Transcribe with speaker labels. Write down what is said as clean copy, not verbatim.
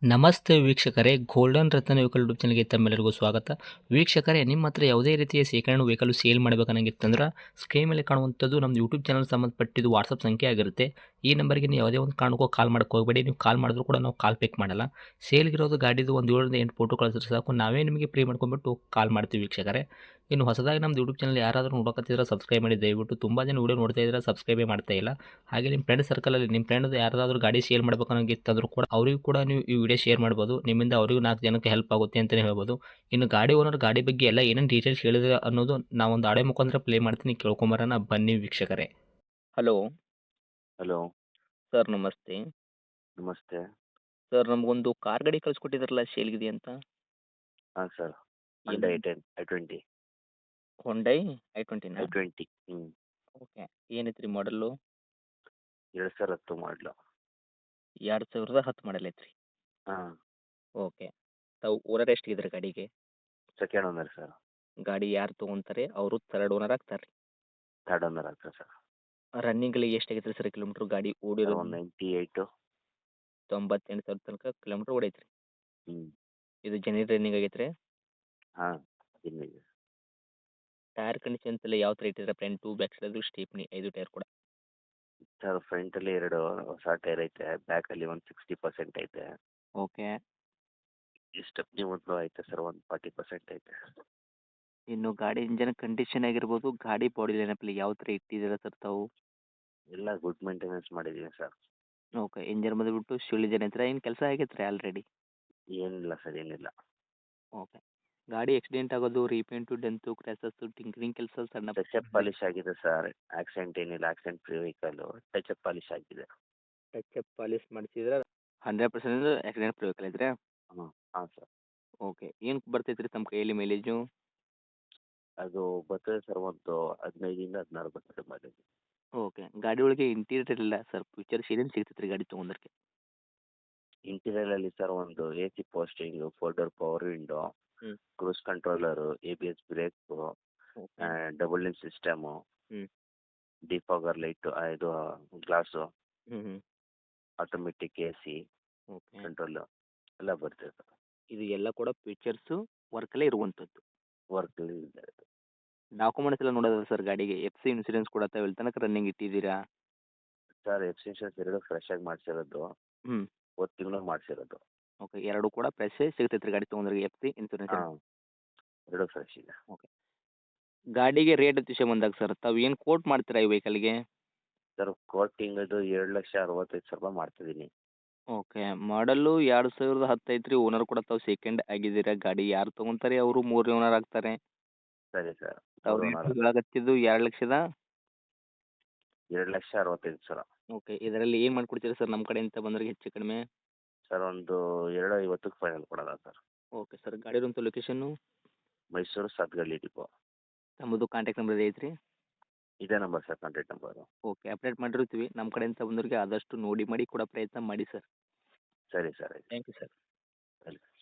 Speaker 1: ನಮಸ್ತೆ ವೀಕ್ಷಕರೇ, ಗೋಲ್ಡನ್ ರತ್ನ vehicle YouTube ಚಾನಲ್ಗೆ ತಮ್ಮೆಲ್ಲರಿಗೂ ಸ್ವಾಗತ. ವೀಕ್ಷಕರೇ, ನಿಮ್ಮ ಹತ್ರ ಯಾವುದೇ ರೀತಿಯ ಶೇಖರಣೆ ವೆಹಿಕಲ್ ಸೇಲ್ ಮಾಡಬೇಕನ್ನಂಗಿತ್ತಂದ್ರೆ ಸ್ಕ್ರೀನ್ ಮೇಲೆ ಕಾಣುವಂಥದ್ದು ನಮ್ಮ ಯೂಟ್ಯೂಬ್ ಚಾನಲ್ ಸಂಬಂಧಪಟ್ಟಿದ್ದು ವಾಟ್ಸಪ್ ಸಂಖ್ಯೆ ಆಗಿರುತ್ತೆ. ಈ ನಂಬರ್ಗೆ ನೀವು ಯಾವುದೇ ಒಂದು ಕಾರಣಕ್ಕೂ ಕಾಲ್ ಮಾಡಕ್ಕೆ ಹೋಗಬೇಡಿ. ನೀವು ಕಾಲ್ ಮಾಡಿದ್ರು ಕೂಡ ನಾವು ಕಾಲ್ ಪಿಕ್ ಮಾಡಲ್ಲ. ಸೇಲ್ಗಿರೋದು ಗಾಡಿದು ಒಂದು 7ರಿಂದ 8 ಫೋಟೋ ಕಳಿಸಿದ್ರೆ ಸಾಕು, ನಾವೇ ನಿಮಗೆ ಪ್ರೀ ಮಾಡ್ಕೊಂಡ್ಬಿಟ್ಟು ಕಾಲ್ ಮಾಡ್ತೀವಿ ವೀಕ್ಷಕರೇ. ಇನ್ನು ಹೊಸದಾಗಿ ನಮ್ಮದು ಯೂಟ್ಯೂಬ್ ಚಾನಲ್ ಯಾರಾದರೂ ನೋಡಕತ್ತಿದ್ರೆ ಸಬ್ಸ್ಕ್ರೈಬ್ ಮಾಡಿ ದಯವಿಟ್ಟು. ತುಂಬ ಜನ ವೀಡಿಯೋ ನೋಡ್ತಾ ಇದ್ದಾರೆ, ಸಬ್ಸ್ಕ್ರೈಬೇ ಮಾಡ್ತಾ ಇಲ್ಲ. ಹಾಗೆ ನಿಮ್ಮ ಫ್ರೆಂಡ್ ಸರ್ಕಲಲ್ಲಿ ನಿಮ್ಮ ಫ್ರೆಂಡ್ ಯಾರಾದರೂ ಗಾಡಿ ಸೇಲ್ ಮಾಡ್ಬೇಕನ್ನೋಂಗಿತ್ತಂದ್ರೂ ಕೂಡ ಅವರಿಗೂ ಕೂಡ ನೀವು ಈ ವಿಡಿಯೋ ಶೇರ್ ಮಾಡ್ಬೋದು. ನಿಮ್ಮಿಂದ ಅವರಿಗೂ 4 ಜನಕ್ಕೆ ಹೆಲ್ಪ್ ಆಗುತ್ತೆ ಅಂತಲೇ ಹೇಳ್ಬೋದು. ಇನ್ನು ಗಾಡಿ ಓನರ್ ಗಾಡಿ ಬಗ್ಗೆ ಎಲ್ಲ ಏನೇನು ಡೀಟೇಲ್ಸ್ ಹೇಳಿದ್ರೆ ಅನ್ನೋದು ನಾವೊಂದು ಆಡಿಯೋ ಮುಖಾಂತರ ಪ್ಲೇ ಮಾಡ್ತೀನಿ, ಕೇಳ್ಕೊಂಬರೋಣ ಬನ್ನಿ ವೀಕ್ಷಕರೇ. ಹಲೋ
Speaker 2: ಹಲೋ,
Speaker 1: ಸರ್, ನಮಸ್ತೆ.
Speaker 2: ನಮಸ್ತೆ.
Speaker 1: ಸರ್, ನಮಗೊಂದು ಕಾರ್ ಗಾಡಿ ಕಳಿಸ್ಕೊಟ್ಟಿದ್ರಲ್ಲ, ಸೇಲ್ಗಿದೆ ಅಂತ.
Speaker 2: ಹಾಂ ಸರ್.
Speaker 1: ಏನು?
Speaker 2: Honda i10, i20,
Speaker 1: ಹೊಂಡೈ i20ನಾ?
Speaker 2: i20.
Speaker 1: ಓಕೆ. ಏನೈತ್ರಿ ಮಾಡಲ್ಲು?
Speaker 2: 2010 ಮಾಡಲು.
Speaker 1: 2010 ಮಾಡಲ್ ಐತ್ರಿ.
Speaker 2: ಹಾಂ,
Speaker 1: ಓಕೆ. ತಾವು ಓನರ್ ಎಷ್ಟಿದ್ರೆ ಗಾಡಿಗೆ?
Speaker 2: Second owner sir.
Speaker 1: ಗಾಡಿ ಯಾರು ತೊಗೊಂತಾರೆ ಅವರು ಥರ್ಡ್ ಓನರ್ ಆಗ್ತಾರೆ.
Speaker 2: ಥರ್ಡ್ ಓನರ್ ಆಗ್ತದೆ ಸರ್.
Speaker 1: ರನ್ನಿಂಗಲ್ಲಿ ಎಷ್ಟಾಗೈತೆ ಸರ್ ಕಿಲೋಮೀಟ್ರ್ ಗಾಡಿ
Speaker 2: ಸರ್
Speaker 1: ಓಡಿರೋದು?
Speaker 2: ಒಂದು 98.
Speaker 1: 98,000 ತನಕ ಕಿಲೋಮೀಟ್ರ್ ಓಡೈತ್ರಿ.
Speaker 2: ಹ್ಞೂ.
Speaker 1: ಇದು ಜೆನ್ಯೂನ್ ರನ್ನಿಂಗ್ ಆಗೈತ್ರಿ.
Speaker 2: ಹಾಂ, ಇನ್ನಿದೆ.
Speaker 1: ಟೈರ್ ಕಂಡೀಷನ್ಸ್ ಎಲ್ಲ ಯಾವ ಥರ ಇಟ್ಟಿದ್ರೆ? Front back side stepney 5 tyre ಕೂಡ?
Speaker 2: ಸರ್ ಫ್ರಂಟಲ್ಲಿ 2 ಹೊಸ ಟೈರ್ ಐತೆ, ಬ್ಯಾಕಲ್ಲಿ ಒಂದು 60% ಐತೆ.
Speaker 1: ಓಕೆ.
Speaker 2: ಈ ಸ್ಟೆಪ್ನಿ ಒಂದು ಐತೆ ಸರ್, ಒಂದು 40% ಐತೆ.
Speaker 1: ಇನ್ನು ಗಾಡಿ ಇಂಜನ್ ಕಂಡೀಷನ್ ಆಗಿರ್ಬೋದು, ಗಾಡಿ ಬಾಡಿ ಲೈನಪ್ಪಲ್ಲಿ ಯಾವ ಥರ ಇಟ್ಟಿದ್ದೀರಾ ಸರ್ ತಾವು?
Speaker 2: ಎಲ್ಲ ಗುಡ್ ಮೇಂಟೆನೆನ್ಸ್ ಮಾಡಿದ್ದೀನಿ ಸರ್.
Speaker 1: ಓಕೆ. ಇಂಜನ್ ಬಂದುಬಿಟ್ಟು ಶಿಲ್ ಇಂಜನ್ ಐತ್ರಾ? ಏನು ಕೆಲಸ ಆಗೈತೆ ರೀ ಆಲ್ರೆಡಿ?
Speaker 2: ಏನಿಲ್ಲ ಸರ್, ಏನಿಲ್ಲ.
Speaker 1: ಓಕೆ. ಗಾಡಿ ಆಕ್ಸಿಡೆಂಟ್ ಆಗೋದು, ರೀಪೇಂಟು, ಡೆಂತು, ಕ್ರ್ಯಾಸಸ್ಸು, ಟಿಂಕರಿಂಗ್ ಕೆಲಸ ಸಣ್ಣ
Speaker 2: ಟಚ್ ಪಾಲಿಶ್ ಆಗಿದೆ ಸರ್. ಆಕ್ಸಿಡೆಂಟ್ ಏನಿಲ್ಲ, accident free vehicle. Touch polish ಆಗಿದೆ.
Speaker 1: ಟಚ್ ಅಪ್ ಪಾಲಿಶ್ ಮಾಡಿಸಿದ್ರೆ 100% ಆಕ್ಸಿಡೆಂಟ್ ಫ್ರೀ ವೆಹಿಕಲ್ ಐತ್ರಿ?
Speaker 2: ಹ್ಞೂ. ಹಾಂ ಸರ್.
Speaker 1: ಓಕೆ. ಏನು ಬರ್ತೈತೆ ರೀ ತಮ್ಮ ಕೈಯಲ್ಲಿ ಮೈಲೇಜು?
Speaker 2: ಅದು ಬರ್ತದೆ ಸರ್, ಒಂದು 15ರಿಂದ 16 ಬರ್ತದೆ ಮೈಲೇಜ್.
Speaker 1: ಓಕೆ. ಗಾಡಿ ಒಳಗೆ ಇಂಟೀರಿಯರ್ ಇಲ್ಲ ಸರ್, ಫೀಚರ್ಸ್ ಏನೇನು ಸಿಗ್ತೈತೆ ರೀ ಗಾಡಿ ತೊಗೊಂಡ್ರೆ?
Speaker 2: ಇಂಟೀರಿಯರಲ್ಲಿ ಸರ್ ಒಂದು A C posting, 4 door power window,
Speaker 1: ಹ್ಞೂ.
Speaker 2: Cruise controller, ABS brake,
Speaker 1: okay.
Speaker 2: Double din system,
Speaker 1: ಹ್ಞೂ.
Speaker 2: ಡಿಫಾಗರ್ ಲೈಟು, ಇದು ಗ್ಲಾಸು,
Speaker 1: ಹ್ಞೂ ಹ್ಞೂ.
Speaker 2: Automatic AC
Speaker 1: okay.
Speaker 2: ಕಂಟ್ರೋಲು ಎಲ್ಲ ಬರ್ತದೆ ಸರ್.
Speaker 1: ಇದು ಎಲ್ಲ ಕೂಡ ಫೀಚರ್ಸು ವರ್ಕಲ್ಲೇ ಇರುವಂಥದ್ದು.
Speaker 2: ವರ್ಕಲ್ಲಿ ಇದೆ.
Speaker 1: ಡಾಕ್ಯುಮೆಂಟ್ಸ್ ಎಲ್ಲ ನೋಡೋದ ಸರ್ ಗಾಡಿಗೆ? FC ಇನ್ಸೂರೆನ್ಸ್ ಕೂಡ ತಾವು ಎಲ್ಲಿ ತನಕ ರನ್ನಿಂಗ್ ಇಟ್ಟಿದ್ದೀರಾ?
Speaker 2: ಸರ್ ಎಕ್ಸ್ಟೆನ್ಷನ್ಸ್ 2 ಫ್ರೆಶ್ ಆಗಿ ಮಾಡಿಸಿರೋದು,
Speaker 1: ಹ್ಞೂ.
Speaker 2: ಹೋದ ತಿಂಗಳು ಮಾಡಿಸಿರೋದು.
Speaker 1: ಓಕೆ. 2 ಕೂಡ ಫ್ರೆಶ್ಶೇ ಸಿಗ್ತೈತೆ ರೀ ಗಾಡಿ ತೊಗೊಂಡ್ರೆ? FC insurance?
Speaker 2: ಹಾಂ, 2 ಫ್ರೆಶ್ ಇದೆ.
Speaker 1: ಓಕೆ. ಗಾಡಿಗೆ ರೇಟ್ ವಿಷಯ ಬಂದಾಗ ಸರ್, ತಾವು ಏನು ಕೋಟ್ ಮಾಡ್ತೀರಾ ಈ ವೆಹಿಕಲ್ಗೆ?
Speaker 2: ಸರ್ ಕೋಟಿಂಗದು 7,65,000 ಮಾಡ್ತಿದ್ದೀನಿ.
Speaker 1: ಓಕೆ. ಮಾಡಲ್ಲು 2010 ಐತ್ರಿ. ಓನರ್ ಕೂಡ ತಾವು ಸೆಕೆಂಡ್ ಆಗಿದ್ದೀರಾ. ಗಾಡಿ ಯಾರು ತೊಗೊಂತಾರೆ ಅವರು 3ನೇ ಓನರ್ ಆಗ್ತಾರೆ.
Speaker 2: ಸರಿ ಸರ್.
Speaker 1: ತಾವು
Speaker 2: ಮೂರು
Speaker 1: ರೇಟ್
Speaker 2: ಓನರ್.
Speaker 1: ಹೇಳಕತ್ತಿದ್ದು 2,00,000?
Speaker 2: 2,65,000
Speaker 1: ಓಕೆ. ಇದರಲ್ಲಿ ಏನು ಮಾಡ್ಕೊಡ್ತೀರಾ ಸರ್ ನಮ್ಮ ಕಡೆಯಿಂದ ಬಂದವ್ರಿಗೆ ಹೆಚ್ಚು ಕಡಿಮೆ?
Speaker 2: ಸರ್ ಒಂದು 2,50ಕ್ಕೆ ಫೈನಲ್ ಕೊಡೋಣ ಸರ್.
Speaker 1: Okay sir. ಗಾಡಿರೋಂಥ ಲೊಕೇಶನ್ನು?
Speaker 2: ಮೈಸೂರು ಸಾತ್ಗಳ್ಳಿ ಡಿಪೋ.
Speaker 1: ತಮ್ಮದು ಕಾಂಟ್ಯಾಕ್ಟ್ ನಂಬರ್ ಐತ್ರಿ?
Speaker 2: ಇದೇ number sir, contact number.
Speaker 1: Okay. Update ಮಾಡಿರ್ತೀವಿ. ನಮ್ಮ ಕಡೆಯಿಂದ ಬಂದವ್ರಿಗೆ ಆದಷ್ಟು ನೋಡಿ ಮಾಡಿ ಕೊಡೋ ಪ್ರಯತ್ನ ಮಾಡಿ ಸರ್.
Speaker 2: ಸರಿ ಸರ್, ಆಯ್ತು.
Speaker 1: Thank you sir.
Speaker 2: ವೆಲ್ಕಮ್.